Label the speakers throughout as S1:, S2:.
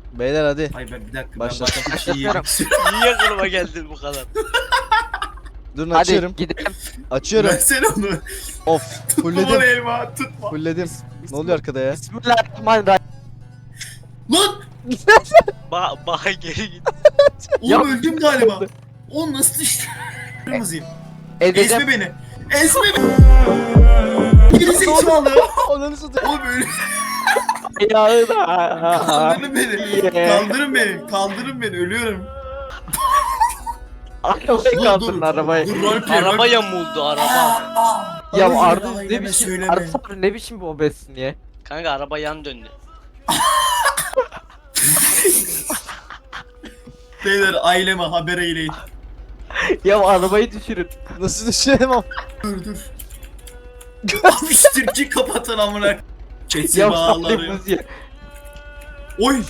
S1: Beyler hadi.
S2: Ay ben bir dakika
S1: Başlattım.
S2: ben başka bir şey
S3: Başlatıyorum.
S2: yiyeyim.
S3: Niye aklıma geldin bu kadar?
S1: Durun
S4: Hadi
S1: açıyorum.
S4: gidelim.
S1: Açıyorum.
S2: Versene onu.
S1: Of.
S2: Tutma
S1: Fulledim.
S2: bana elma tutma.
S1: Fulledim. Ne oluyor arkada ya?
S4: Bismillahirrahmanirrahim.
S2: Lan!
S3: Baha geri git.
S4: Ya-
S2: Oğlum öldüm galiba. O nasıl işte? Kırmızıyım.
S4: Edeceğim.
S2: Ezme beni. Ezme beni. Geri zekalı.
S1: Ananı satayım.
S2: Oğlum öyle.
S4: Ayağı da.
S2: Kaldırın beni. Kaldırın beni. Kaldırın beni. Ölüyorum.
S4: Arabayı kaldırın arabayı.
S2: Dur roleplay.
S3: Araba yamuldu araba.
S4: Ya
S2: Ay,
S4: Arda
S2: ay,
S4: ne
S2: deme,
S4: biçim
S2: söyleme.
S4: Arda abi ne biçim bu obezsin ya?
S3: Kanka araba yan döndü.
S2: Beyler aileme haber eyleyin.
S4: Ya arabayı düşürün.
S1: Nasıl düşerim ama?
S2: Dur. Abi şu Türkçeyi kapatın amına. Çetsi
S4: Ya
S2: bağları.
S4: saplayımız ya.
S2: Oy.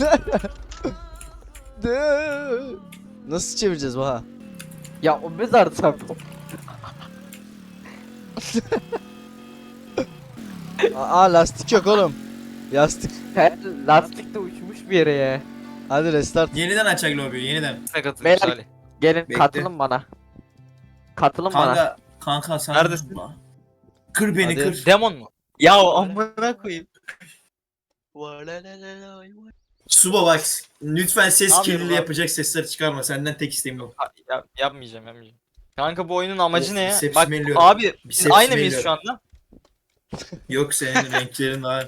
S1: Nasıl çevireceğiz Baha?
S4: Ya obez Arda abi.
S1: Aa lastik yok oğlum. Yastık.
S4: Lastik de uçmuş bir yere ya.
S1: Hadi restart.
S2: Yeniden açak lobiyi yeniden.
S4: Beyler gelin
S2: Bekle.
S4: katılın bana. Katılın bana.
S2: Kanka sen
S5: Neredesin?
S2: Kır beni
S1: Hadi.
S2: kır.
S5: Demon mu? Ya amına koyayım.
S2: Suba bak lütfen ses
S5: Ne yapıyorum
S2: kirliliği
S5: abi?
S2: yapacak sesler çıkarma senden tek isteğim bu.
S5: Yapmayacağım. Kanka bu oyunun amacı
S2: Of,
S5: ne ya?
S2: bicepsimi
S5: Bak
S2: elliyorum.
S5: abi biz
S2: Bicepsimi
S5: aynı mıyız şu
S2: elliyorum.
S5: anda?
S2: Yok senin renklerin daha.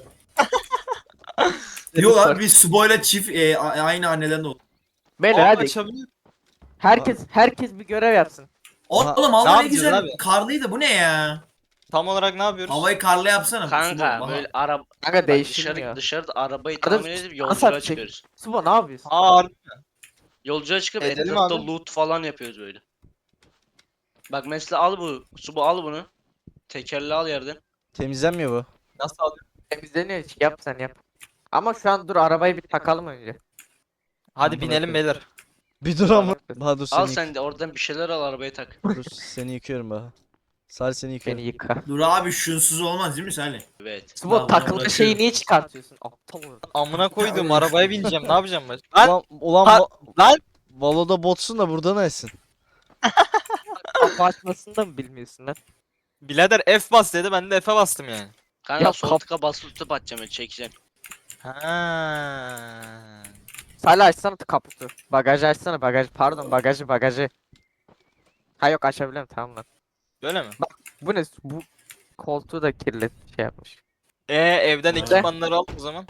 S2: Yok abi biz Subo'yla çift aynı anneden doğduk.
S4: Beyler
S5: Aa,
S4: hadi.
S5: açabilir.
S4: Herkes bir görev yapsın.
S2: Oğlum
S5: Ne
S2: hava ne
S5: yapacağız
S2: güzel
S5: abi?
S2: karlıydı bu ne ya?
S5: Tam olarak ne yapıyoruz?
S2: Havayı karlı yapsana.
S3: Kanka
S2: Subo,
S3: böyle araba
S4: Kanka değiştirmiyor.
S3: dışarıda arabayı
S4: Arada
S3: tamir edip
S4: nasıl
S3: yolculuğa
S4: atacak?
S3: çıkıyoruz.
S4: Suba ne yapıyorsun?
S5: Aa
S3: Yolculuğa çıkıp
S5: Edelim
S3: etrafta
S5: abi.
S3: loot falan yapıyoruz böyle. Bak mesela al al bunu. Tekerle al yerden.
S1: Temizlenmiyor bu.
S5: nasıl alıyoruz?
S4: Temizleniyor hiç yap sen yap. Ama şu an dur arabayı bir takalım önce.
S5: Hadi
S1: Amına
S5: binelim beyler.
S1: Bir dur ama. Baha dur
S3: Al
S1: seni
S3: sen de oradan bir şeyler al arabaya tak.
S1: Dur seni yıkıyorum Baha. Salih seni yıkıyorum.
S4: Beni yıka.
S2: Dur abi şunsuz olmaz değil mi Salih?
S3: Evet.
S4: Suba
S2: Tamam,
S4: takılı
S2: bırakıyorum.
S4: şeyi niye çıkartıyorsun? Aptal ol.
S5: Amına koyduğum arabaya bineceğim. Ne yapacağım ben? Lan
S1: Ulan
S5: Ha- lan!
S1: Valo'da botsun da burada nesin?
S4: Kapı açmasını da mı bilmiyorsun lan?
S5: birader F bas dedi, ben de F'e bastım yani.
S3: Kanka
S4: Ya
S3: sol
S4: kap-
S3: tıka basılı tutup atacağım çekeceğim.
S5: Ha.
S4: Salih açsana kaputu. Bagajı açsana pardon bagajı. Ha yok açabilirim tamam lan.
S5: Böyle mi?
S4: Bu ne? Bu koltuğu da kirlet şey yapmış.
S5: Evden ekipmanları al o zaman.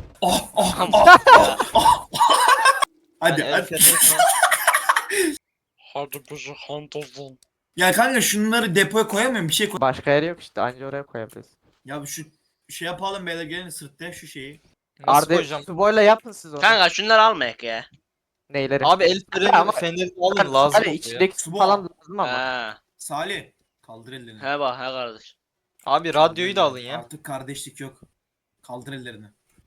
S2: Hadi
S5: Yani
S2: hadi.
S3: Hadi bizi hantozun.
S2: Ya kanka şunları depoya koyamıyorum bir şey koy.
S4: Başka yeri yok işte anca oraya koyabiliriz.
S2: Ya şu şey yapalım beyler gelin sırtla şu şeyi.
S5: Nasıl
S4: Arda
S5: koyacağım?
S4: Subo'yla yapın siz onu.
S3: Kanka şunları almayak ya.
S4: Neyleri?
S5: Abi el freni
S4: Ama-
S5: fenerini alın lazım.
S4: Salih
S5: oluyor ya.
S4: içindeki su
S2: Subo.
S4: falan lazım ama.
S3: Ha.
S2: Salih kaldır ellerini.
S3: He bak he kardeş.
S5: Abi radyoyu da alın ya.
S2: Artık kardeşlik yok. Kaldır ellerini.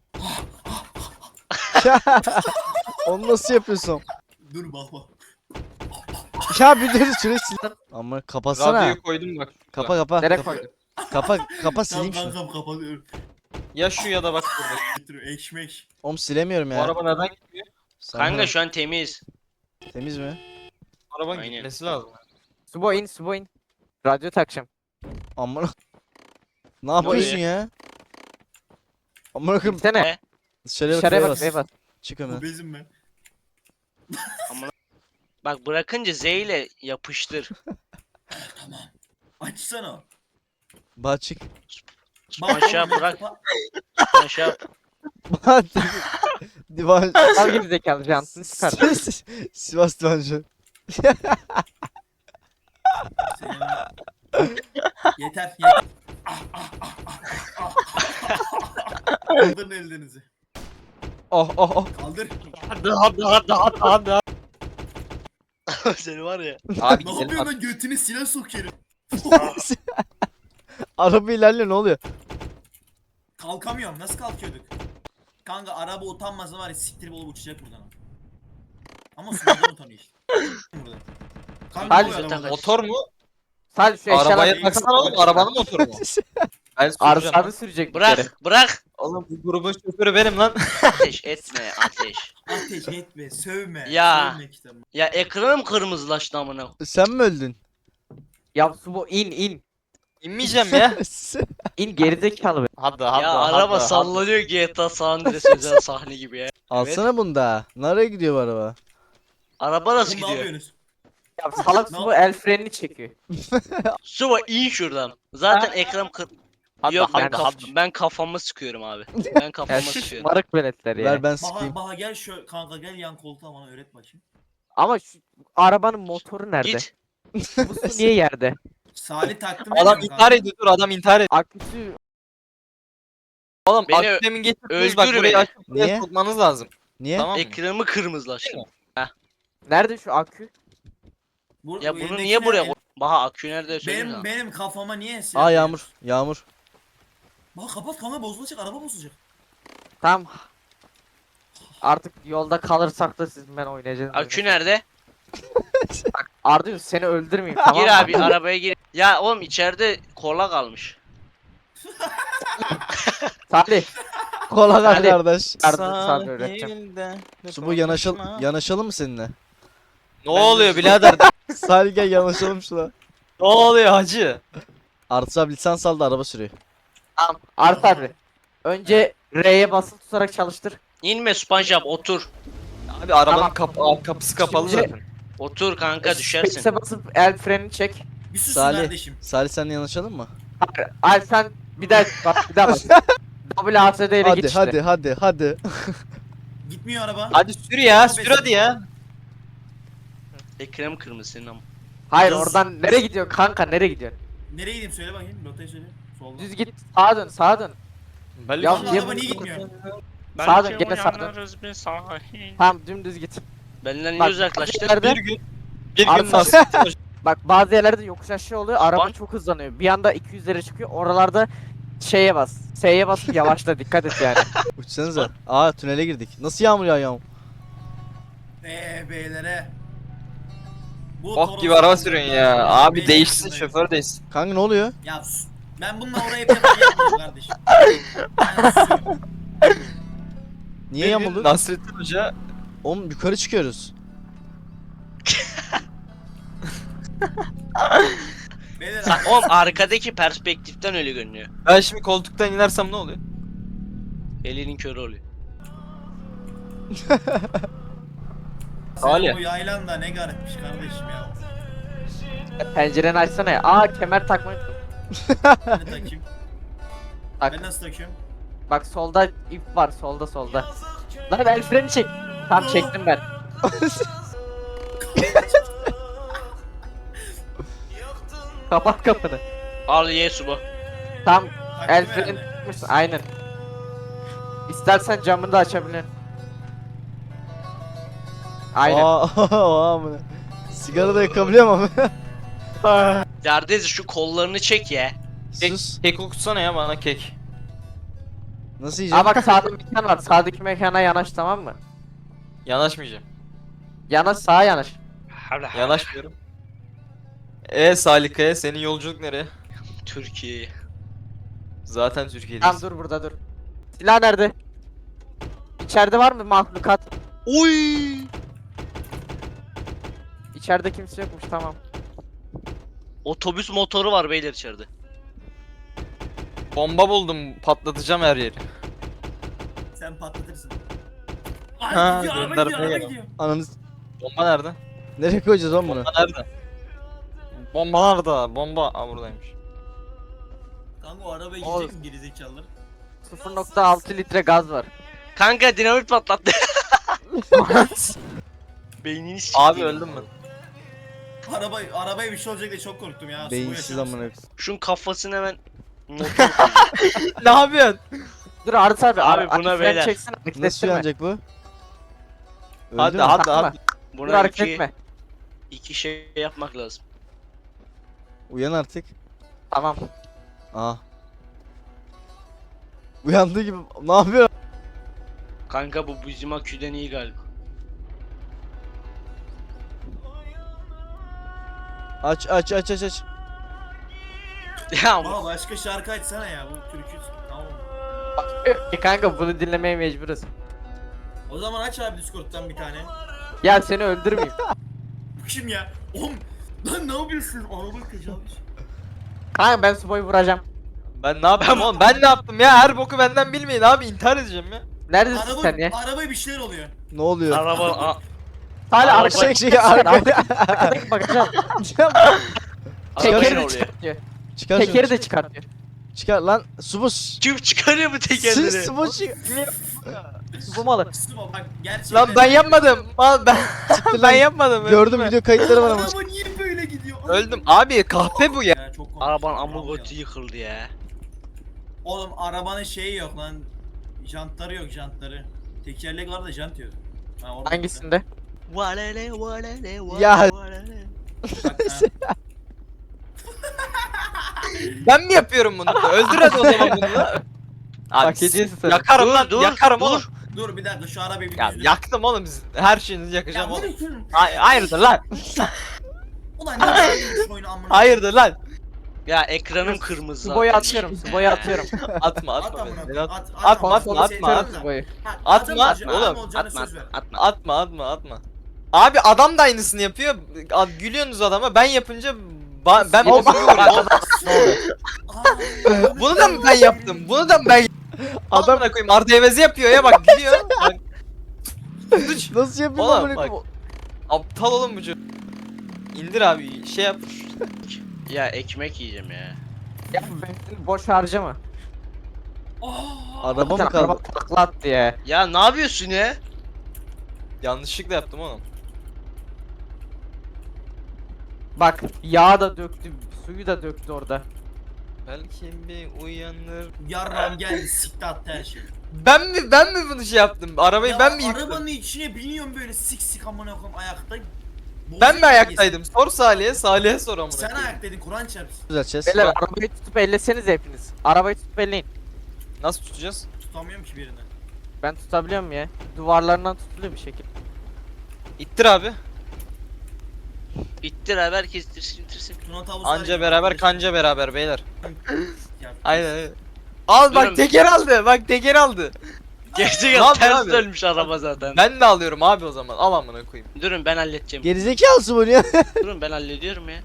S1: Onu nasıl yapıyorsun?
S2: Dur bak bak.
S1: Ya bir dur şurayı sil. Ama kapatsana.
S5: Radyoyu koydum bak.
S1: Kapa kapa.
S4: Nereye
S1: kapa.
S4: koydun?
S1: Kapa
S2: Tamam
S1: sileyim şunu.
S2: kankam kapatıyorum.
S5: Ya şu ya da bak burada.
S2: Getiriyor ekmek.
S1: Oğlum silemiyorum
S5: Bu
S1: ya.
S5: araba neden gitmiyor?
S3: Kanka şu an temiz.
S1: Temiz mi?
S5: Arabanın
S3: Aynen.
S5: gitmesi lazım.
S4: Subo in. Radyo takacağım.
S1: Amına. Ne yapıyorsun ya? Amına koyayım.
S4: Gitsene.
S3: Ne?
S1: Dışarıya bak.
S4: Dışarıya
S1: şuraya
S4: bak şuraya bak.
S1: Çık hemen.
S2: Obezim ben.
S3: Bak bırakınca Z ile yapıştır.
S2: Açsana.
S1: Baha çık.
S3: Aşağı
S2: oğlum,
S3: bırak.
S2: bak.
S3: Aşağı.
S1: Baha divan.
S4: Al gibi zekalı jantını çıkar.
S1: Sivas divancı.
S2: Senin- Yeter yeter. Kaldırın ellerinizi.
S1: Oh.
S2: Kaldır.
S5: Hadi.
S3: Seni var ya.
S4: Abi
S2: Ne
S4: gidelim
S2: yapıyorsun
S4: bak.
S2: lan götünü silah sokuyorum.
S1: Araba ilerliyor ne oluyor?
S2: Kalkamıyorum nasıl kalkıyorduk? Kanka araba utanmasa var ya siktirip olup uçacak buradan. Ama sudan utanıyor işte. Burada. Kanka
S4: Hadi
S2: ne oluyor
S3: zaten
S2: arabada?
S5: Motor mu?
S4: Salih şu
S5: Arabaya
S4: eşyaları
S5: taksana oğlum, arabanın motoru mu? Ben
S4: Arda
S5: süreceğim.
S4: abi sürecek bir kere.
S3: Bırak bırak.
S5: Oğlum bu grubun şoförü benim lan.
S3: Ateş etme ateş.
S2: Ateş etme, sövme.
S3: Ya.
S2: Sövme kitabı.
S3: Ya ekranım kırmızılaştı amına.
S1: Sen mi öldün?
S4: Ya Subo in.
S5: İnmeyeceğim ya.
S4: İn gerizekalı be.
S5: Hadi
S3: Ya araba sallanıyor GTA San Andreas özel sahne gibi ya.
S1: Alsana bunu da. Nereye gidiyor bu araba?
S3: Araba nasıl
S2: Bunu ne
S3: gidiyor?
S2: yapıyorsunuz?
S4: Ya salak
S2: Ne
S4: Subo el frenini çekiyor.
S3: Suba in şuradan. Zaten ekran kır...
S5: Hadi,
S3: Yok
S5: hadi,
S3: ben,
S5: hadi.
S3: ben kafamı sıkıyorum abi. Ben
S4: Ya
S3: kafamı
S4: şu
S3: sıkıyorum.
S4: şımarık veletler ya.
S1: Ver ben
S2: Baha,
S1: sıkayım.
S2: Baha gel şu kanka gel yan koltuğa bana öğret bakayım.
S4: Ama şu arabanın motoru nerede?
S3: Git.
S4: Bu su niye yerde?
S2: Salih taktım
S5: Adam
S2: ediyorum
S5: intihar
S2: kanka.
S5: ediyor, dur adam intihar ediyor.
S4: Aküsü
S5: Oğlum
S3: Beni
S5: akdemin getirdiniz bak
S3: öldür
S5: burayı
S3: beni.
S5: açıp buraya
S1: Niye?
S5: sokmanız lazım.
S1: Niye?
S5: Tamam mı?
S3: Ekranımı kırmızılaştı.
S4: nerede şu akü?
S3: Ya bunu
S2: elindeki
S3: niye
S2: ne?
S3: buraya koy? Baha akü nerede söyleyeyim
S2: Benim
S3: sana.
S2: benim kafama niye silah
S1: Aa yağmur. Yağmur.
S2: Bak kapat kanka bozulacak araba bozulacak.
S4: Tamam. Artık yolda kalırsak da siz ben oynayacağım.
S3: Akü nerede?
S4: Arda seni öldürmeyeyim tamam mı?
S3: Gir abi arabaya gir. Ya oğlum içeride kola kalmış.
S4: Salih.
S1: Kola ver
S4: Hadi.
S1: kardeş.
S4: Arda sana öğreteceğim.
S1: Su bu yanaşalım mı seninle?
S5: Ne oluyor birader?
S1: Salih gel yanaşalım şuna.
S5: Ne oluyor hacı?
S1: Artı abi lisans aldı araba sürüyor.
S4: Tamam. Arda abi. Önce R'ye basılı tutarak çalıştır.
S3: İnme SpongeBob otur.
S5: Abi arabanın
S4: Tamam.
S5: kapısı kapalı
S4: Şimdi-
S5: zaten.
S3: Otur kanka düşersin.
S4: Space'e basıp el frenini çek.
S2: Bir sus
S1: Salih.
S2: kardeşim.
S1: Salih seninle yanaşalım mı?
S4: Al sen bir daha bak bir daha bas. WASD ile
S1: Hadi
S4: git işte.
S1: hadi.
S2: Gitmiyor araba.
S5: Hadi sür ya, sür hadi ya.
S3: Ekranım kırmızı senin ama.
S4: Hayır
S2: Yaz-
S4: oradan nereye gidiyorsun kanka nereye gidiyorsun?
S2: Nereye gideyim söyle bakayım. Rotayı söyle. Soldan.
S4: Düz git sağa dön sağa dön.
S5: Belli
S4: Ya
S2: Kanka
S4: niye
S2: araba
S4: bu-
S2: niye gitmiyor?
S4: Sağa dön gene sağa dön.
S3: bir sahil.
S4: Tamam dümdüz git.
S3: Benden niye
S4: Bak,
S3: uzaklaştın?
S4: nerede?
S5: bir gün
S4: Arda-
S5: nasıl?
S4: Bak bazı yerlerde yokuş aşağı oluyor araba
S3: Bak.
S4: çok hızlanıyor. Bir anda 200'lere çıkıyor oralarda şeye bas. S'ye basıp yavaşla dikkat et yani.
S1: Uçsanıza. Aa tünele girdik. Nasıl yağmur yağıyor?
S2: Beylere. Bu
S5: Bok
S2: Toros-
S5: gibi araba sürüyorsun ya. Abi
S2: Beyler
S5: değişsin,
S2: kısmındayız.
S5: şoför değişsin.
S1: Kanka ne oluyor?
S2: Ya sus. Ben bununla oraya hep yapmayacağım kardeşim. Ben susuyorum.
S1: Niye
S5: Bir gün
S1: yağmurlu?
S5: Nasrettin Hoca
S1: Oğlum yukarı çıkıyoruz.
S2: Beyler
S3: Oğlum arkadaki perspektiften öyle görünüyor.
S5: ben şimdi koltuktan inersem ne oluyor?
S3: Elinin körü oluyor.
S5: Salih.
S2: senin bu yaylan da ne garipmiş kardeşim ya.
S4: Pencereni açsana ya. Aa kemer takmayı unuttum.
S2: Ben de takayım.
S4: Tak.
S2: Ben nasıl takıyorum?
S4: Bak solda ip var solda. Lan el freni çek. Tamam çektim ben. Kapat kapını.
S3: Al ye suba.
S4: Tam
S2: Taktım
S4: el freni
S2: herhalde.
S4: tutmuşsun aynen. İstersen camını da açabilirsin. Aynen.
S1: Aa amına. Sigara da yakabiliyor mu?
S3: Yardız şu kollarını çek ya.
S1: Sus.
S5: Kek okutsana ya bana kek.
S1: Nasıl
S4: Aa
S1: yiyeceğim?
S4: bak sağda mekan var. Sağdaki mekana yanaş tamam mı?
S5: Yanaşmayacağım.
S4: Yanaş sağa yanaş.
S5: Yanaşmıyorum. Salika'ya senin yolculuk nereye?
S3: Türkiye.
S5: Zaten Türkiye'deyiz.
S4: Tamam dur burada dur. Silah nerede? İçeride var mı mahlukat?
S3: Oy!
S4: İçeride kimse yokmuş tamam.
S3: Otobüs motoru var beyler içeride.
S5: Bomba buldum, patlatacağım her yeri.
S2: Sen patlatırsın. Ay
S5: Ha,
S2: gidiyor araba
S5: gönder
S2: gidiyor araba
S5: buraya.
S2: gidiyor.
S1: Ananız.
S5: Bomba nerede?
S1: Nereye koyacağız oğlum bunu?
S5: Bomba nerede? Bomba nerede? Bomba. Aa buradaymış.
S2: Kanka o arabaya
S4: Oğlum.
S2: gidecek mi gerizekalılar?
S4: 0.6 litre gaz var.
S3: Kanka dinamit patlattı. Beynini sikti.
S5: Abi öldüm mü?
S2: Arabaya bir şey olacak diye çok korktum ya. Su
S1: Beyinsiz
S2: yaşamış.
S1: amına.
S3: Şunun kafasını hemen motor
S5: Ne yapıyorsun?
S4: Dur Arda abi.
S3: Abi
S4: Abi
S3: buna
S4: buna
S3: beyler.
S4: çeksene. Hareket
S1: Nasıl
S4: ettirme.
S1: yanacak bu? Öldü
S5: Hadi
S1: mü?
S5: hadi
S4: Tamam
S5: hadi.
S4: mı? Dur
S3: Buna
S4: hareket
S3: iki,
S4: etme.
S3: iki şey yapmak lazım.
S1: Uyan artık.
S4: Tamam.
S1: Aa. Uyandığı gibi ne yapıyor?
S3: Kanka bu bizim aküden iyi galiba.
S1: Aç.
S3: Ya
S2: Baba başka şarkı açsana ya bu türkü. Tamam.
S4: Kanka bunu dinlemeye mecburuz.
S2: O zaman aç abi Discord'dan bir tane.
S4: Ya seni öldürmeyeyim.
S2: Bu kim ya? Oğlum lan ne yapıyorsun? Araba tecavüz.
S4: Kanka ben Subo'yu vuracağım.
S5: Ben ne yapayım oğlum? Ben ne yaptım ya? Her boku benden bilmeyin abi. İntihar edeceğim ya.
S4: Neredesin sen ya?
S2: Arabaya bir şeyler oluyor.
S1: Ne oluyor?
S3: araba
S4: Hala
S3: Araba-
S4: arkaya
S1: Şey arkaya.
S4: bakacağım.
S3: araba
S4: Tekeri
S3: ne
S4: de
S3: oluyor?
S4: çıkartıyor.
S1: Çıkar şunu.
S4: Tekeri de çıkartıyor.
S1: Çıkar lan. Subus.
S3: Kim çıkarıyor bu tekerleri?
S1: Subus çık.
S4: Subo malı.
S2: Sıva bak gerçekten.
S5: Lan ben yapmadım. Mal ben
S1: Siktir
S5: ben
S1: lan.
S5: yapmadım.
S1: Gördüm
S5: öldüm
S1: video kayıtları var ama.
S2: Araba niye böyle gidiyor?
S5: Öldüm. Abi kahpe bu ya.
S2: Ya, çok komik.
S3: Arabanın
S2: Bravo
S3: amı
S2: ya.
S3: götü yıkıldı ya.
S2: Oğlum arabanın şeyi yok lan. Jantları yok jantları. Tekerlek var da jant yok. Ha, orada
S4: Hangisinde?
S3: Valele valele
S1: Ya.
S3: valele.
S2: Bak, ha.
S5: Ben mi yapıyorum bunu? Öldür hadi o zaman bunu. Abi
S4: Hak ediyorsun sen.
S5: yakarım
S3: Dur,
S5: lan.
S3: dur,
S5: yakarım
S3: dur.
S5: oğlum.
S2: Dur bir dakika şu arabayı bir
S5: Ya
S2: düzgün-
S5: yaktım oğlum. Her şeyinizi
S2: Ya
S5: yakacağım
S2: bu
S5: oğlum.
S2: ne şunun?
S5: Hayırdır lan?
S2: Ulan ne yapıyorsun şu oyunu amına?
S5: Hayırdır lan?
S3: Ya ekranım kırmızı
S4: Subo'yu
S3: zaten.
S4: atıyorum. Subo'yu atıyorum.
S5: Atma
S2: At
S5: atma
S2: amına
S5: beni.
S2: koyayım,
S5: At.
S2: at.
S5: Atma,
S2: ama
S5: atma,
S2: seni
S5: atma,
S2: sevdim
S4: Atıyorum
S2: de.
S4: Subo'yu.
S2: Ha,
S5: Atma,
S2: adam
S5: atma
S2: olacağım,
S5: oğlum.
S2: adam olacağına
S3: Atma
S2: söz ver.
S3: atma.
S5: Atma. Abi adam da aynısını yapıyor. Gülüyorsunuz adama. Ben yapınca ben
S4: Oğlum,
S5: bozuk
S4: bak,
S5: oluyorum.
S2: Aa,
S5: Bunu da mı ben yaptım? Bunu da mı ben
S1: Adam
S5: Adamına koyayım Arda Evezi yapıyor ya bak gülüyor. Bak.
S1: nasıl yapayım
S5: Oğlum,
S1: amına
S5: bak.
S1: koyayım?
S5: Aptal oğlum bu çocuk. İndir abi şey yap.
S3: Ya ekmek yiyeceğim ya.
S4: Ya benzin boş harcama.
S1: Araba mı
S4: Araba
S1: kaldı?
S4: takla attı ya.
S3: Ya ne yapıyorsun ya?
S5: Yanlışlıkla yaptım oğlum.
S4: Bak yağ da döktü, suyu da döktü orada.
S5: Belki bir uyanır.
S2: Yarram geldi sikti attı her şeyi.
S5: Ben mi bunu şey yaptım? Arabayı
S2: Ya
S5: ben mi yıktım?
S2: arabanın içine biniyorum böyle sik sik amına koyayım ayakta.
S5: Ben mi
S2: Bozuyor
S5: ayaktaydım? Sor Salih'e, Salih'e sor amına
S2: Sen
S5: koyayım.
S2: ayaktaydın Kur'an çarpsın.
S1: Düzelteceğiz.
S4: Beyler arabayı tutup elleseniz hepiniz. Arabayı tutup elleyin.
S5: Nasıl tutacağız?
S2: Tutamıyorum ki birini.
S4: Ben tutabiliyorum ya. Duvarlarından tutuluyor bir şekilde.
S5: İttir abi.
S3: İttir abi herkes ittirsin.
S2: Tuna tavus
S5: Anca beraber kanca beraber beyler.
S2: Ya,
S5: Aynen. Al bak
S3: Durun.
S5: teker aldı. Bak teker aldı. Ne
S3: Gerçekten
S5: yapıyorsun
S3: ters
S5: abi?
S3: dönmüş araba zaten.
S5: Ben de alıyorum abi o zaman. Al amına koyayım.
S3: Durun ben halledeceğim.
S1: Gerizekalısı bu ya.
S3: Durun ben hallediyorum ya.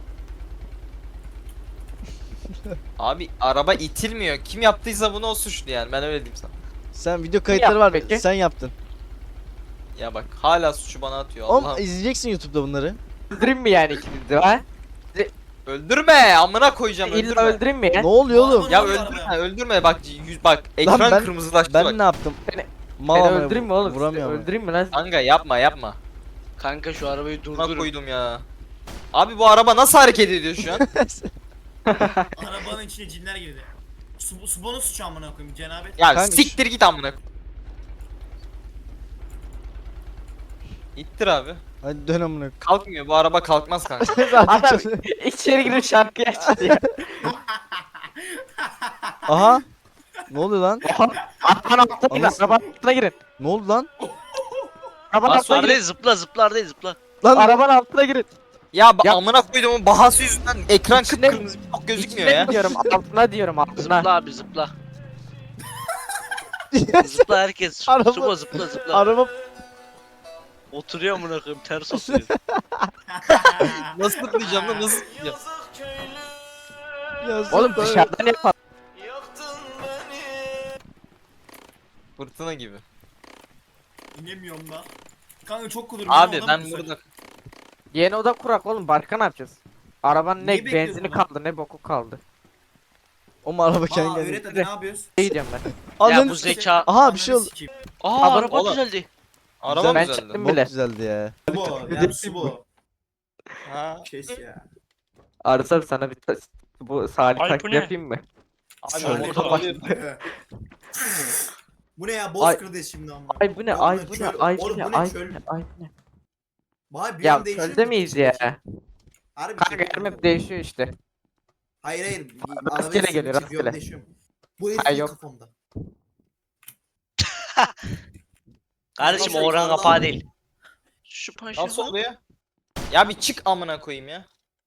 S5: Abi araba itilmiyor. Kim yaptıysa bunu o suçlu yani. Ben öyle diyeyim sana.
S1: Sen video kayıtları var.
S4: yaptı peki?
S1: Sen yaptın.
S5: Ya bak hala suçu bana atıyor.
S1: Oğlum
S5: Allah'ım.
S1: izleyeceksin YouTube'da bunları.
S4: Öldüreyim mi yani ikinizi de ha?
S5: Öldürme. Amına koyacağım.
S4: İlla
S5: Öldürme.
S4: öldüreyim mi ya?
S1: Ne oluyor oğlum?
S2: Araba-
S5: Ya
S2: Ne oluyor
S5: öldürme.
S2: arabaya?
S5: Öldürme. Bak bak ekran
S1: ben-
S5: kırmızılaştı bak.
S1: Ben ne yaptım?
S4: Seni-
S1: Mal
S4: Beni
S1: amına
S4: öldüreyim mi oğlum?
S1: Vuramıyorum.
S4: Öldüreyim mi lan?
S5: Kanka yapma.
S3: Kanka şu arabayı
S5: Buna
S3: durdurun.
S5: koydum ya. Abi bu araba nasıl hareket ediyor şu an?
S2: Arabanın içine cinler girdi. Subonun suçu amına koyayım cenabet.
S5: Ya
S1: Kanka
S5: siktir git amına. İttir abi.
S1: Hadi dön amına.
S5: Kalkmıyor bu araba kalkmaz kanka.
S4: Adam içeri girip şarkı açtı ya.
S1: Aha. Ne oluyor lan?
S4: Arabanın altına girin.
S1: Anasını-
S4: Arabanın altına girin.
S1: Ne oldu lan?
S4: Arabanın altına
S3: Zıplar
S4: girin.
S3: değil zıplar değil zıpla.
S1: Lan
S4: Arabanın altına girin.
S5: Ya,
S4: Ya-
S5: amına koyduğumun bahası yüzünden ekran
S4: İçine-
S5: kıpkırmızı çok gözükmüyor
S4: İçine
S5: ya.
S4: mi diyorum altına diyorum altına.
S3: Zıpla abi zıpla. Zıpla herkes.
S1: Araba-
S3: Subo zıpla.
S1: araba
S3: Oturuyor amına koyayım ters oturuyor.
S5: Nasıl zıplayacağım lan nasıl zıplayacağım?
S1: ya
S4: Oğlum
S1: zıpla.
S4: dışarıdan yapalım.
S5: Fırtına gibi.
S2: İnemiyorum da. Kanka çok kudur.
S5: Abi ben burada
S4: Yeni oda kurak oğlum. Başka ne yapacağız? Arabanın
S2: Niye
S4: ne
S2: bekliyorsun
S4: benzini
S2: lan?
S4: kaldı ne boku kaldı.
S1: O araba kendi
S2: Aa
S1: geldi.
S2: öğret hadi ne yapıyoruz?
S4: Ne diyeceğim ben?
S3: Ya
S1: Ananı
S3: bu
S1: s-
S3: zeka.
S1: Aha bir şey oldu.
S3: Aa
S4: Araba
S3: araba
S5: oğlum.
S3: düzeldi.
S5: araba
S4: Ben
S5: güzeldi.
S4: çıktım
S1: Bok
S4: bile.
S1: güzeldi ya.
S2: Subo ya Subo.
S5: Ha.
S2: Kes ya.
S4: Arasam sana bir bu Salih
S3: Ay, bu
S4: taklit
S3: ne?
S4: yapayım mı?
S5: Abi
S1: Şöyle
S5: motor alıyorum.
S2: Bu ne ya
S4: Ay-
S2: Bozkır'da şimdi ama.
S4: Ay bu ne?
S2: Ya
S4: Ay
S2: bu ne
S4: bu ne?
S2: çöl?
S4: Ay bu
S2: Oğlum
S4: ne?
S2: bu ne
S4: Ay bu
S2: çöl?
S4: ne? Ay bu ne?
S2: Vay bir
S4: Ya
S2: an değişiyor
S4: çölde
S2: mu?
S4: miyiz ya?
S2: Harbi
S4: Kanka
S2: şey-
S4: her map değişiyor işte.
S2: Hayır.
S4: Rastgele
S2: Arabaya
S4: geliyor,
S2: sıkıntı
S4: rastgele.
S2: yok, değişiyor. Bu herif
S4: Ay,
S2: yok
S4: yok.
S2: kafamda.
S3: Kardeşim
S2: Nasıl-
S3: oran kapağı değil. Şu paşa.
S5: Nasıl oluyor? Ya bir çık amına koyayım ya.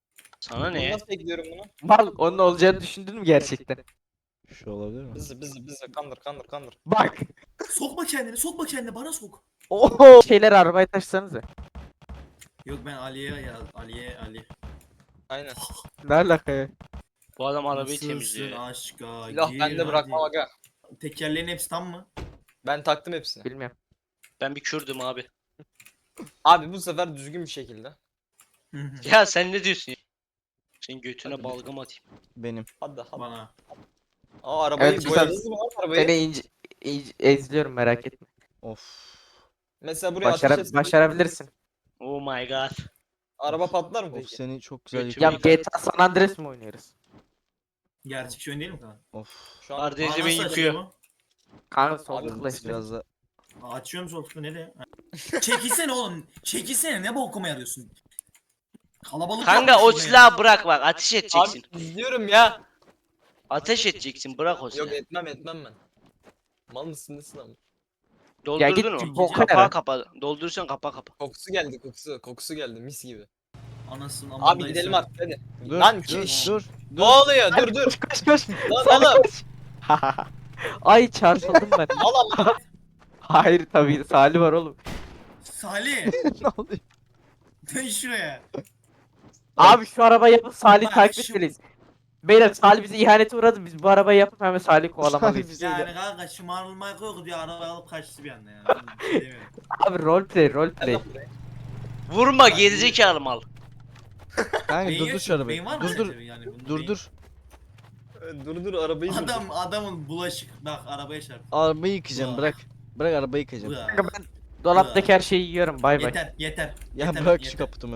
S3: Sana
S5: Bunu
S3: ne?
S5: nasıl ekliyorum bunu?
S4: Mal onun olacağını düşündün mü gerçekten?
S1: Şu olabilir mi?
S5: Bizi kandır.
S4: Bak.
S2: Sokma kendini bana sok.
S1: Oho.
S4: Şeyleri arabaya taşısanıza.
S2: Yok ben Ali.
S5: Aynen.
S4: Ne alaka ya?
S3: Bu adam arabayı
S2: Nasılsın
S3: temizliyor ya.
S2: aşka
S5: Silah
S2: gir
S5: bende bırakmam
S2: hadi.
S5: aga.
S2: Tekerleğin hepsi tam mı?
S5: Ben taktım hepsini.
S4: Bilmiyorum.
S3: Ben bir Kürdüm abi.
S5: Abi bu sefer düzgün bir şekilde.
S2: Hı hı.
S3: Ya sen ne diyorsun ya? Senin götüne
S5: Hadi
S3: balgam atayım.
S1: Benim.
S5: Hadi.
S2: Bana.
S5: Aa arabayı
S4: Evet,
S5: boyadınız mı lan arabayı?
S4: Seni ezliyorum merak etme.
S1: Of.
S5: Mesela buraya ateş etsek
S4: Başarabilirsin.
S3: Oh my god.
S5: araba patlar mı
S1: Of
S5: peki?
S1: seni çok güzel
S3: Götüme
S4: Ya
S1: yıkadım.
S4: GTA San Andreas mı oynuyoruz?
S2: Gerçek oyun değil mi kanka?
S1: Of.
S5: Şu an
S3: Kardeşim
S2: Nasıl
S3: beni
S2: açıyor
S3: yıkıyor.
S2: bu?
S4: Kanka sol
S5: Abi,
S4: tıkla işte.
S1: Biraz da
S2: Açıyorum sol tıkla nereye? Ha. Çekilsene oğlum. Çekilsene ne bokuma yarıyorsun? Kalabalık
S3: Kanka
S2: yapmış
S3: o
S2: burada ya.
S3: silahı bırak bak ateş
S5: abi
S3: edeceksin.
S5: izliyorum ya.
S3: Ateş edeceksin bırak o
S5: Yok
S3: silahı.
S5: etmem ben. Mal mısın nesin ama?
S3: Doldurdun
S4: git
S3: mu?
S4: boka
S3: Kapağı
S4: yara.
S3: kapa. Doldurursan kapa.
S5: Kokusu geldi mis gibi.
S2: Anasının
S5: Abi
S2: amındaysa.
S5: gidelim artık hadi.
S1: dur
S5: Lan
S1: dur
S5: ki-
S1: dur.
S5: Ne oluyor? Dur.
S4: Koş.
S5: Lan
S4: Salih
S5: oğlum.
S4: koş. Ay çarpıldım ben.
S5: Al ama.
S4: Hayır tabii Salih var oğlum.
S2: Salih.
S1: Ne oluyor?
S2: Dön şuraya.
S4: Abi şu arabayı yapıp Salih'i
S2: Bak,
S4: takip
S2: şu-
S4: etmeliyiz. Beyler Salih bize ihanete uğradı. Biz bu arabayı yapıp hemen Salih'i kovalamalıyız.
S1: Salih bize-
S2: Yani kanka şımarılmak yok diye araba alıp kaçtı bir anda yani. Ben bir şey demiyorum.
S4: Abi roleplay.
S3: Vurma gerizekalı mal.
S1: Kanka
S2: Beyin
S1: durdur
S2: yok
S1: şu
S2: mu?
S1: arabayı.
S2: Beyin var mı
S1: Dur dur.
S2: sence? Yani bunun beyin-
S1: Dur.
S5: Dur arabayı dur.
S2: Adamın bulaşık bak arabaya çarptı.
S1: Arabayı yıkayacağım
S2: Ulan.
S1: bırak. Bırak arabayı yıkayacağım.
S2: Ulan.
S4: Kanka ben dolaptaki her şeyi yiyorum. Bay bay.
S2: Yeter.
S1: Ya bırak şu kaputumu.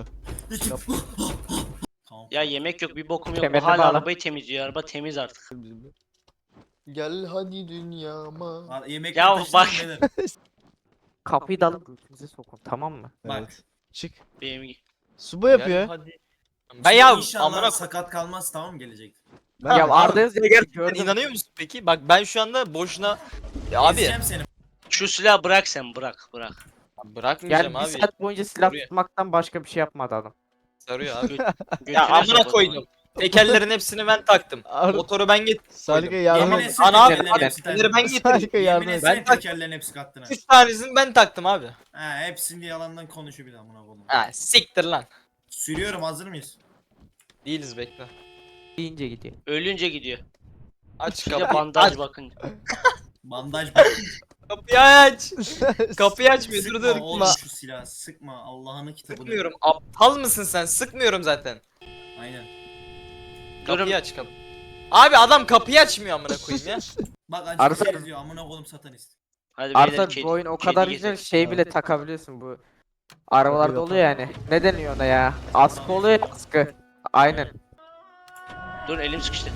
S2: Tamam.
S3: Ya yemek yok bir bokum yok.
S4: Kemerine
S3: Hala
S4: bağla.
S3: arabayı temizliyor. Araba temiz artık.
S5: Gel hadi dünyama.
S2: Yemek
S3: Ya
S2: taşıdın
S3: bak.
S2: beyler.
S4: Kapıyı da alıp götümüze sokun tamam mı?
S2: Bak.
S1: Evet. Çık.
S3: Benim
S1: Subo yapıyor.
S5: Hadi. Ben ya
S2: İnşallah
S5: amına
S2: sakat kalmaz tamam mı gelecek?
S1: Ben-
S4: Ya Arda Özgür gördüm.
S5: İnanıyor musun peki? Bak ben şu anda boşuna abi
S2: Ezeceğim seni.
S3: şu silahı bırak sen bırak.
S5: bırakmayacağım
S4: Yani bir
S5: abi.
S4: saat boyunca silah
S5: Sarıyor.
S4: tutmaktan başka bir şey yapmadı adam.
S5: Sarıyor abi.
S3: Götüne
S5: Ya amına
S3: sokalım.
S5: koydum. Tekerlerin hepsini ben taktım.
S1: Motoru
S5: Ben git.
S1: Salih'e yardım
S2: Yemin
S1: et.
S2: etsene
S5: Ana abi,
S2: tekerlerin
S5: abi,
S2: hepsi
S5: tekerleri ben getirdim.
S1: Salih'e yardım
S2: Yemin
S1: et.
S2: etsene
S5: Ben tak-
S2: tekerlerin hepsi kattın ha.
S5: 3 tanesini ben taktım abi.
S2: Ha hepsini yalandan konuşuyor bir daha buna oğlum.
S5: Ha siktir lan.
S2: Sürüyorum hazır mıyız?
S5: Değiliz bekle.
S4: Deyince gidiyor.
S3: Ölünce gidiyor.
S5: Aç
S3: Bir de
S5: kapıyı.
S3: bandaj
S5: Aç.
S3: bakın.
S2: Bandaj bak.
S5: Kapıyı aç. Kapıyı açmıyor dur
S2: Sıkma
S5: dur.
S2: oğlum şu silahı sıkma Allah'ın kitabını.
S5: Sıkmıyorum. Aptal mısın sen? Sıkmıyorum zaten.
S2: Aynen.
S3: Durun.
S5: Kapıyı aç kapı. Abi adam kapıyı açmıyor amına koyayım ya.
S2: Bak
S4: Arsa-
S2: acı diyor amına koydum satanist.
S3: Hadi beyler
S4: Artık bu oyun o
S3: kedi
S4: kadar
S3: gezelim.
S4: güzel şey bile takabiliyorsun bu. Arabalarda
S1: Tabii,
S4: oluyor yani. Ne deniyor ona ya? Askı oluyor ya, askı. Aynen.
S3: Dur elim sıkıştı.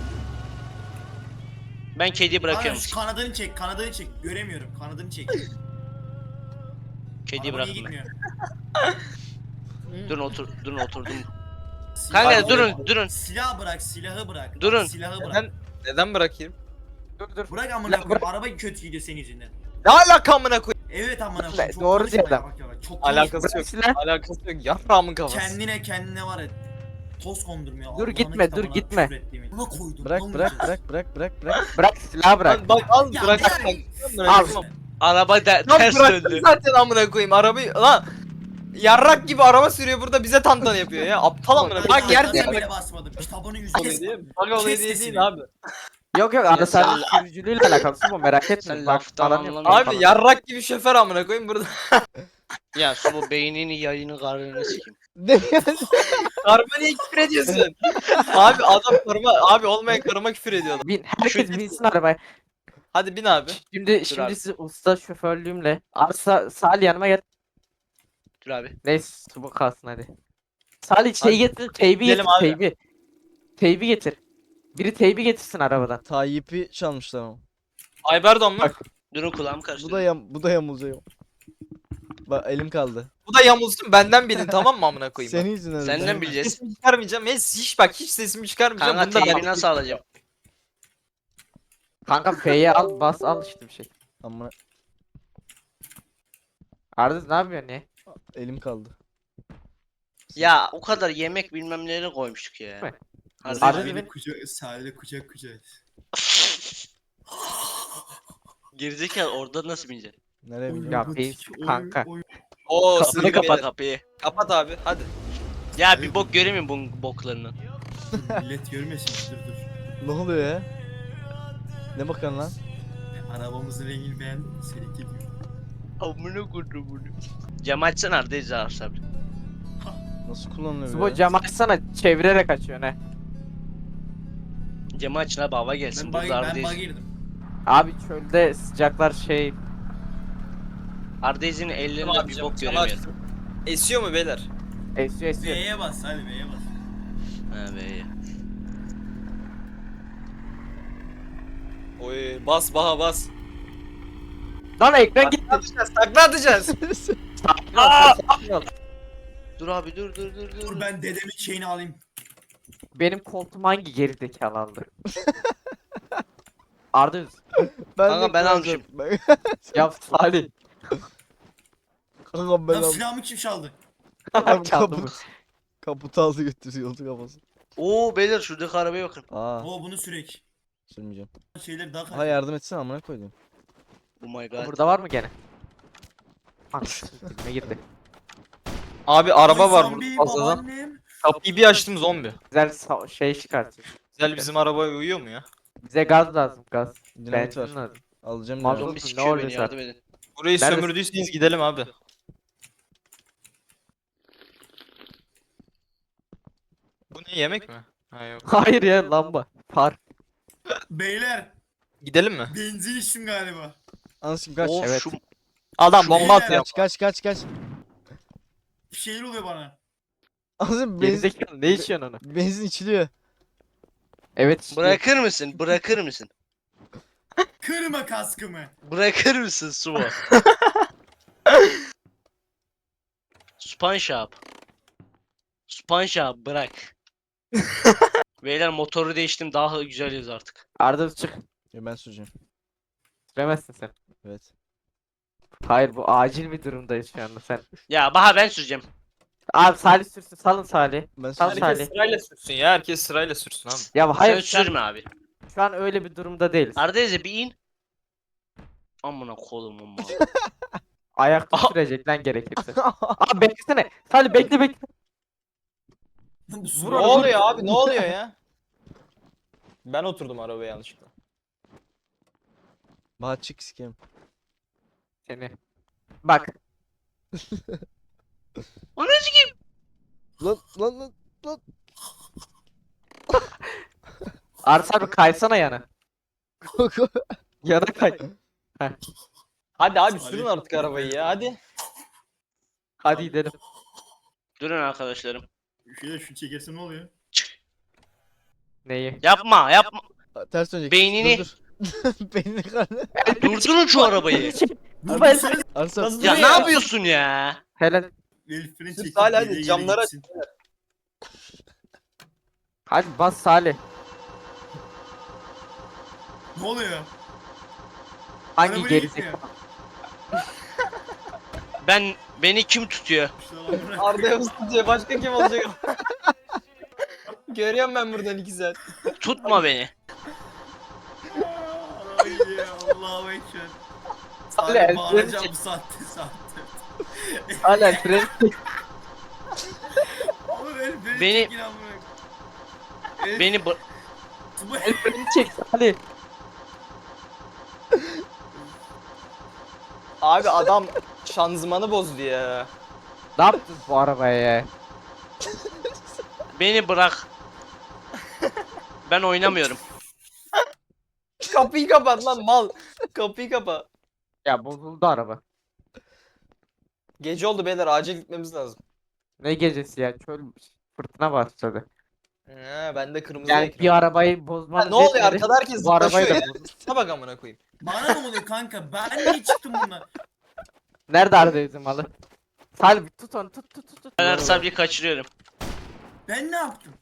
S3: Ben kediyi
S2: Kanka
S3: bırakıyorum.
S2: şu kanadını çek göremiyorum kanadını çek.
S3: Kediyi
S2: Araba niye
S3: bıraktım ben.
S2: gitmiyor?
S3: Durun oturdum.
S2: Silahı
S3: Kanka
S2: bırak.
S3: durun.
S2: Silahı bırak.
S3: Durun.
S2: Silahı bırak.
S5: Neden bırakayım?
S4: Dur.
S2: Bırak amına
S4: Silah
S2: koyayım.
S4: bırak.
S2: Araba kötü gidiyor senin yüzünden.
S5: Ne alaka amına koyayım?
S2: Evet amına
S4: Ne,
S2: koyayım. Çok
S4: doğru
S2: konuşma
S4: diyor
S2: ya,
S4: adam.
S2: bak ya, bak, çok konuşma.
S5: Alakası yok.
S4: Silah.
S5: Alakası yok. Yarrağımın kafası.
S2: Kendine var ya. Toz kondurmuyor.
S4: Dur
S2: Allah'ın
S4: gitme, dur
S2: kitabına
S4: gitme.
S2: küfür ettiğimi. Buna koydum.
S1: Bırak
S2: lan
S1: bırak
S2: bu
S1: bırak bırak bırak bırak.
S4: Bırak silahı bırak.
S5: Lan bak al
S2: Ya
S5: bırak.
S2: bırak.
S5: Bırak.
S3: Araba
S5: Lan
S3: ters
S5: bıraktım
S3: döndü.
S5: zaten amına koyayım arabayı lan. Yarrak gibi araba sürüyor burada bize tantana yapıyor ya. Aptal amına
S2: Ben
S5: koyayım. Bak yer
S2: ayağına
S5: değmek
S2: bile basmadım. Kitabını
S5: oluyor
S2: yüzüne
S5: diye. Bak oluyor
S2: Kes
S5: diye
S2: sesini.
S5: değil abi.
S4: Yok Arda sadece sürücülüğüyle alakalısı bu merak etme.
S3: Sen
S4: Bak,
S3: laftan
S4: falan
S3: anlamıyorsun.
S4: yapıyor
S5: Abi
S4: falan.
S5: yarrak gibi şoför amına koyayım burada.
S3: Ya su bu beynini yayını karnını sikeyim.
S1: Ne yani?
S5: Karıma niye küfür ediyorsun? Abi adam karıma abi olmayan karıma küfür ediyor.
S4: Herkes binsin arabaya.
S5: Hadi bin abi.
S4: Şimdi
S3: abi.
S4: sizi usta şoförlüğümle Arsa Salih yanıma gel.
S3: Dur abi.
S4: Neyse bu kalsın hadi. Salih şey
S5: Hadi.
S4: getir, teybi
S5: Gidelim
S4: getir,
S5: abi.
S4: teybi. Teybi getir. Biri teybi getirsin arabadan.
S1: Tayyip'i çalmışlar ama.
S5: Ayberdan mı?
S4: Bak.
S3: Durun kulağım karıştı.
S1: Bu da yamulacak. Bak elim kaldı.
S5: Bu da yamulsun benden bilin tamam mı amına koyayım?
S1: Senin yüzünden.
S3: Senden
S1: öyle.
S3: bileceğiz.
S5: Sesimi çıkarmayacağım. Hiç bak hiç sesimi çıkarmayacağım.
S3: Kanka
S5: Bunu da
S3: teybi
S5: ben-
S3: nasıl alacağım?
S4: Kanka F'ye al, bas al işte bir şey.
S1: Ama
S4: Arda ne yapıyorsun ya?
S1: elim kaldı.
S3: Ya o kadar yemek bilmem neleri koymuştuk ya.
S4: Mi?
S3: Harbi.
S2: Sahile kucak, sahile kucak kucak.
S3: Gerizekalı orada nasıl bineceksin?
S1: Nereye bileyim?
S4: Ya beyz kanka.
S5: Oo
S3: Kapını
S5: sığdık
S3: kapa
S5: beyler.
S3: kapıyı.
S5: Kapat abi hadi.
S3: Ya bir bok göremiyorum bunun boklarını.
S2: Millet görmesin, dur.
S1: Ne oluyor ya? Ne bakıyorsun lan?
S2: Arabamızın rengini beğendin mi? Seninki diyor.
S3: Amına koydum bunu. Cam açsana Arda'yı abi.
S1: Nasıl kullanılıyor
S4: Subo
S1: ya?
S4: cam açsana çevirerek açıyor ne?
S3: Camı açın abi hava gelsin.
S2: Ben
S3: Burada
S2: bug
S3: Arda'yı.
S2: girdim.
S4: Abi çölde sıcaklar şey.
S3: Arda'yız'in ellerinde
S5: Tamam,
S3: bir
S5: cam-
S3: bok
S5: cam
S3: göremiyorum.
S5: Esiyor mu beyler?
S4: Esiyor esiyor.
S2: B'ye bas, hadi B'ye bas.
S3: Ha be ya.
S5: Oy bas baha bas.
S4: Lan ekran gitti.
S5: Takla atacağız.
S4: Sakin ol, sakin ol.
S3: Dur abi dur.
S2: Dur ben dedemin şeyini alayım.
S4: Benim koltuğum hangi gerizekalı aldı? Arda Üz.
S3: Kanka ben almışım.
S4: Ya Salih.
S1: Kanka ben
S2: Lan
S1: aldım.
S2: silahımı kim çaldı?
S1: Adam
S4: Çaldı
S1: kapı,
S4: mı?
S1: kaputu aldı götürüyordu kafası.
S3: Oo beyler şuradaki arabaya bakın.
S1: Aa
S2: Oo bunu sürek.
S1: sürmeyeceğim.
S2: Şeyleri daha
S1: Ha yardım etsene amına koydum.
S3: Oh my god.
S4: Burada var mı gene? Anasını dilime girdi.
S5: Abi araba
S2: Oy,
S5: var
S2: zombi,
S5: burada fazladan.
S2: babaannem.
S5: Kapıyı bir açtım zombi.
S4: Güzel şey çıkartıyor.
S5: Güzel bizim arabaya uyuyor mu ya?
S4: Bize gaz lazım gaz.
S1: Dinamit
S4: Benzin
S1: var.
S4: lazım.
S1: Alacağım
S4: Mazlum.
S1: dinamit.
S3: Zombi
S4: Ne
S3: sikiyor beni
S4: oluyorsa.
S3: yardım edin.
S5: Burayı
S4: Neredesin?
S5: sömürdüyseniz gidelim abi. Bu ne yemek mi? Ha yok.
S4: Hayır ya lamba. Par.
S2: Beyler
S5: Gidelim mi?
S2: benzin içtim galiba.
S1: Anasını kaç.
S3: Of
S4: Evet.
S3: şu
S5: Adam
S2: Şu
S5: bomba
S2: ne?
S5: atıyor.
S1: Kaç.
S2: Bir şeyler oluyor bana.
S1: Anasını benzin,
S4: Gerizekalı ne içiyorsun onu?
S1: benzin içiliyor.
S4: Evet işte.
S3: bırakır mısın?
S2: Kırma kaskımı.
S3: Bırakır mısın Sumo? SpongeBob. SpongeBob bırak. Beyler motoru değiştim daha güzeliz artık.
S4: Arda Üz çık.
S1: Ya ben süreceğim.
S4: Süremezsin sen.
S1: Evet.
S4: Hayır bu acil bir durumdayız şu anda sen.
S3: Ya Baha ben süreceğim.
S4: Abi Salih sürsün salın Salih.
S1: Ben
S4: Tamam,
S1: süreceğim.
S4: Salih.
S5: Sırayla sürsün ya. Herkes sırayla sürsün abi.
S4: Ya hayır
S3: Sen sürme abi.
S4: şu an öyle bir durumda değiliz.
S3: Arda'yıza bir in. Amına kolum amma.
S4: Ayakta sürecek lan gerekirse. Abi beklesene. Salih bekle.
S2: Bu
S5: Ne
S2: su.
S4: Vur onu,
S5: oluyor abi? Ne oluyor ya? Ben oturdum arabaya yanlışlıkla.
S1: Bahar çık sikeyim.
S4: Seni. Bak.
S1: Lan.
S4: Arda abi kaysana yana. Yana kay.
S5: Hadi abi
S2: Salih.
S5: sürün artık arabayı ya hadi.
S4: Hadi gidelim.
S3: Durun arkadaşlarım.
S2: Şöyle şu çekerse ne oluyor?
S4: Neyi?
S3: Yapma.
S1: Ters dönecek.
S3: Beynini-
S1: Dur. Beynini karnı.
S3: Durdurun şu arabayı.
S2: Dur
S4: Ben-
S2: sen.
S1: Arslan.
S5: Nasıl-
S3: Ya
S5: Dur
S3: ne
S5: ya.
S3: yapıyorsun ya?
S4: Helal.
S2: El freni
S5: Sür
S2: çekip
S5: Salih, hadi,
S2: geriye
S5: camları
S2: gitsin.
S4: Hadi bas Salih.
S2: Ne oluyor?
S4: Hangi
S2: Araba
S4: gerizekalı?
S3: Beni kim tutuyor?
S2: İşte lan bırak.
S5: Arda'ya mısın diye başka kim olacak? Görüyorum ben buradan 2 saat.
S3: Tutma beni.
S2: Ay ya Allah'a ekber.
S4: Salih,
S2: Salih
S4: el
S2: bağıracağım
S4: freni
S2: bu saatte.
S4: Hala fren.
S2: Oğlum el freni
S3: Beni-
S2: çekin amına. El-
S3: Beni bı-
S2: Bu-
S4: El freni çek Salih.
S5: Abi adam şanzımanı bozdu ya.
S4: Ne yaptın bu arabaya ya?
S3: beni bırak. Ben oynamıyorum.
S5: Kapıyı kapat lan mal. Kapıyı kapa.
S4: Ya bozuldu araba.
S5: Gece oldu beyler acil gitmemiz lazım.
S4: Ne gecesi ya? Çöl fırtına başladı.
S5: Ben de kırmızı
S4: Yani
S5: ekran.
S4: bir arabayı
S5: Ha,
S4: bozmanız
S5: ne oluyor
S4: yetmedi,
S5: arkada herkes
S4: bu arabayı
S5: zıplaşıyor
S4: da
S5: ya.
S4: bozdu.
S5: Ne bak amına koyayım.
S2: Bana ne oluyor kanka? Ben niye çıktım bundan?
S4: Nerede Arda Üzüm malı? Salih bir tut onu tut.
S3: Ben Ersab'ı kaçırıyorum.
S2: Ben ne yaptım?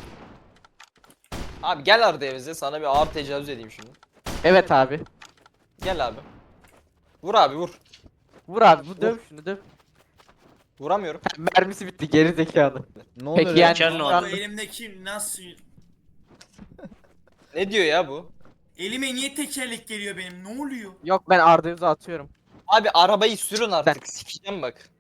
S5: Abi gel Arda'ya bize sana bir ağır tecavüz edeyim şimdi.
S4: Evet abi.
S5: Gel abi. Vur abi vur.
S4: Vur abi bu döv şunu döv.
S5: Vuramıyorum.
S4: Mermisi bitti geri zekalı.
S1: Ne oluyor
S4: Peki
S1: ya?
S4: yani
S3: Geçen ne
S2: Ama
S3: oldu?
S2: bu elimdeki nasıl...
S5: Ne diyor ya bu?
S2: Elime niye tekerlek geliyor benim? Ne oluyor?
S4: Yok ben Arda Yüz'ü atıyorum.
S5: Abi arabayı sürün artık. Sikeceğim bak.